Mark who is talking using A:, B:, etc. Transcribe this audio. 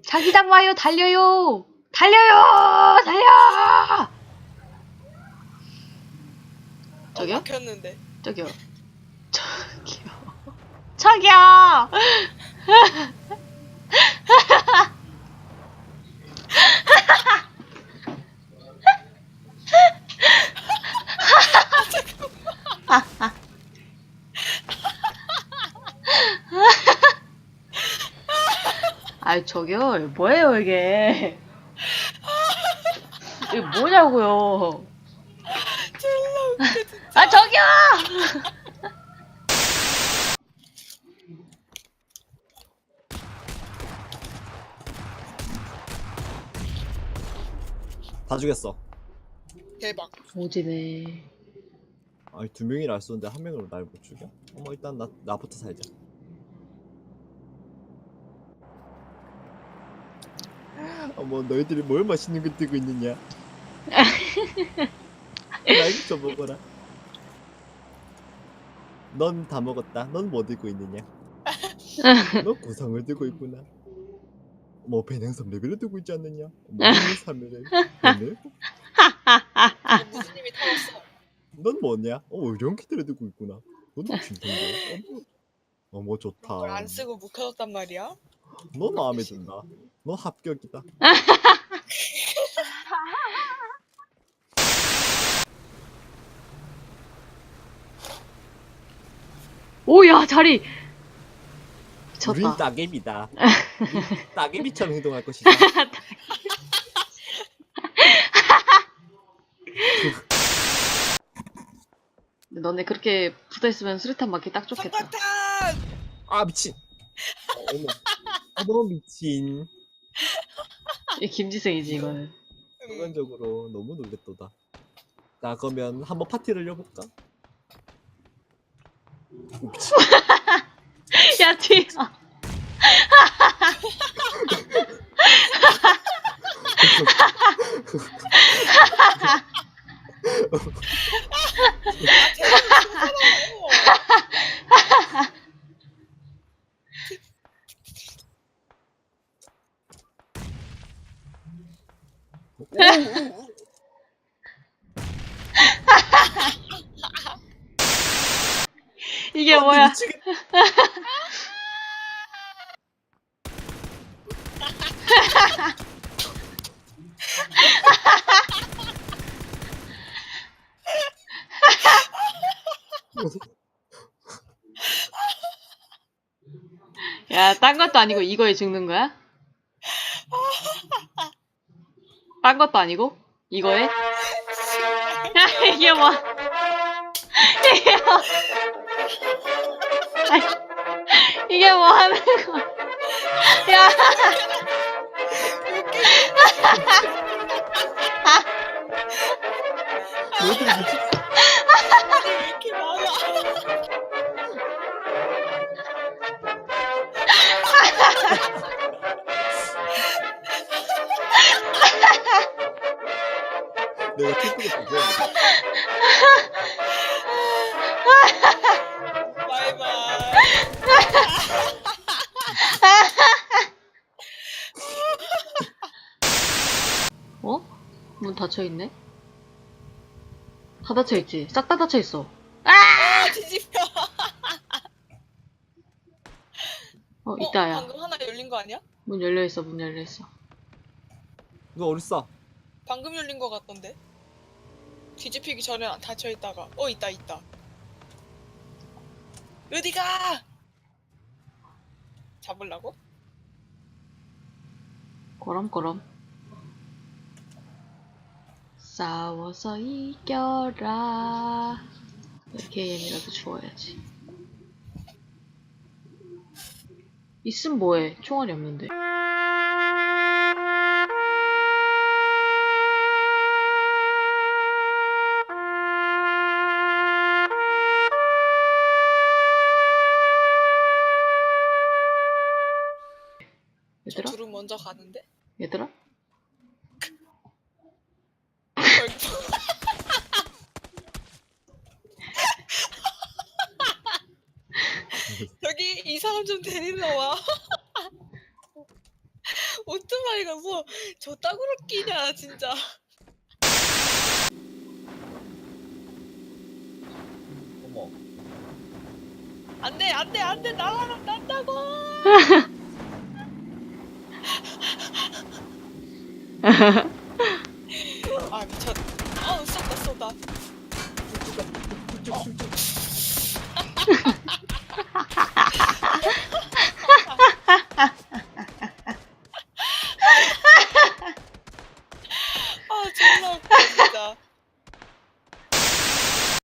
A: 자기장 와요. 달려요. 달려요. 달려. 저기요?
B: 막혔는데.
A: 저기요. 저기요. 아이 저기요. 뭐예요 이게? 이게 뭐냐고요?
B: 졸라 웃겨 진짜.
A: 아 저기요.
C: 다 죽였어.
B: 대박.
A: 오지네.
C: 아니 2명이라 알 쏘는데 1명으로 날 못 죽여? 어머 일단 나부터 살자. 어머 너희들이 뭘 맛있는 거 뜨고 있느냐? 날 좀 먹어라. 넌 다 먹었다. 넌 뭐 들고 있느냐? 너 구상을 들고 있구나. 뭐 배낭섬 레벨을 들고 있지 않느냐? 뭐 삶을 배낭?
B: 무슨 님이 타왔어?
C: 넌 뭐냐? 의료키트를 들고 있구나. 넌 진통제. 어머 좋다.
B: 그걸 안 쓰고 묵혀뒀단 말이야?
C: 너 마음에 든다. 너 합격이다.
A: 오야 자리.
C: 우린
A: 미쳤다.
C: 따개비다. 우린 따개비처럼 행동할 것이다.
A: 너네 그렇게 붙어있으면 수류탄 맞기 딱 좋겠다.
B: 성광탄!
C: 아 미친. 어머. 어머 미친.
A: 이 김지성이지 이거는.
C: 순간적으로 너무 놀랬도다. 자 그러면 한번 파티를 열어볼까? 미친.
A: 야 뒤. 이게 뭐야?
C: 미치겠다.
A: 야, 딴 것도 아니고 이거에 죽는 거야? 딴 것도 아니고 이거에? 야, 이게 뭐? 이게 뭐? 아니, 이게 뭐 하는 거야? 야,
C: 너희들이 미친.
B: 아니 왜 이렇게 많아?
C: 내가 킥보드 보자.
B: 바이바이.
A: 어? 문 닫혀 있네? 다 닫혀 있지? 싹 다 닫혀 있어.
B: 아 뒤집혀.
A: 있다야.
B: 방금 하나 열린 거 아니야?
A: 문 열려 있어. 문 열려 있어.
C: 너 어딨어?
B: 방금 열린 거 같던데? 뒤집히기 전에 닫혀 있다가 있다. 어디가? 잡으려고?
A: 거럼거럼. 싸워서 이겨라. KM이라도 주워야지. 있음 뭐해? 총알이 없는데.
B: 저
A: 얘들아?
B: 둘은 먼저 가는데?
A: 얘들아?
B: 여기 이 사람 좀 데리러 와. 오토바이가 뭐 저 땅으로 끼냐 진짜.
C: 어머.
B: 안돼 나가면 난다고. 아 미쳤. 쏜다.
C: 쭉쭉쭉.